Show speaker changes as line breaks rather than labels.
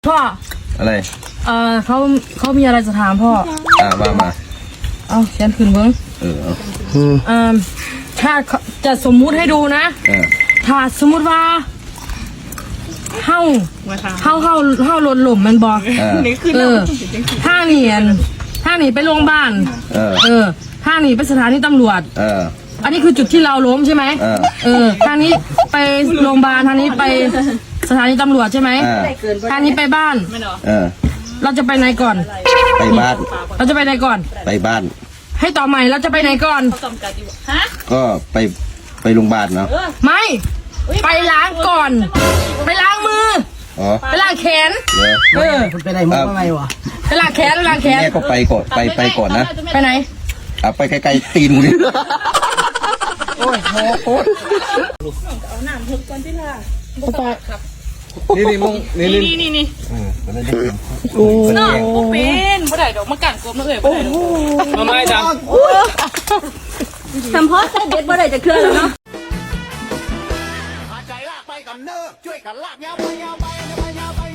พ่อ
อะไร
เขามีอะไรจะถามพ่อ
ว่ามา
เอาเขียนขึ้นเบิ้งถ้าจะสมมุติให้ดูนะถ้าสมมุติว่าเฮาหล่นหล่มมันบอกถ้าหนีไปโรงพยาบาลถ้าหนีไปสถานีตำรวจอันนี้คือจุดที่เราล้มใช่ไหมทางนี้ไปโรงพยาบาลทางนี้ไปสถานีตำรวจใช่ไหมทางนี้ไปบ้านเราจะไปไหนก่อน
ไปบ้าน
เราจะไปไหนก่อน
ไปบ้าน
ให้ต่อใหม่เราจะไปไหนก่อน
ก็ไปโรงพยาบาลเนาะ
ไม่ไปล้างก่อนไปล้างมือไปล้างแขน
คุณไปไหนมาไงวะ
ไปล้างแขน
แม่ก็ไปก่อนไปก่อนนะ
ไปไหน
ไปไกลๆตีนกูดิ
โอ้ยโห
เอาหนามเถอะก่อนที่ล่ะ
นี่มึง
นี่โอ้เนาะบ่เป็นบ่ได้ดอกมากันกบมาเอ่ยบ่ได้ดอกมาไม่จังทำเพราะใส่เบ็ดบ่ได้จะเคลื่อนแล้วเนาะใจลากไปกันเนอะช่วยกันลากยาวไป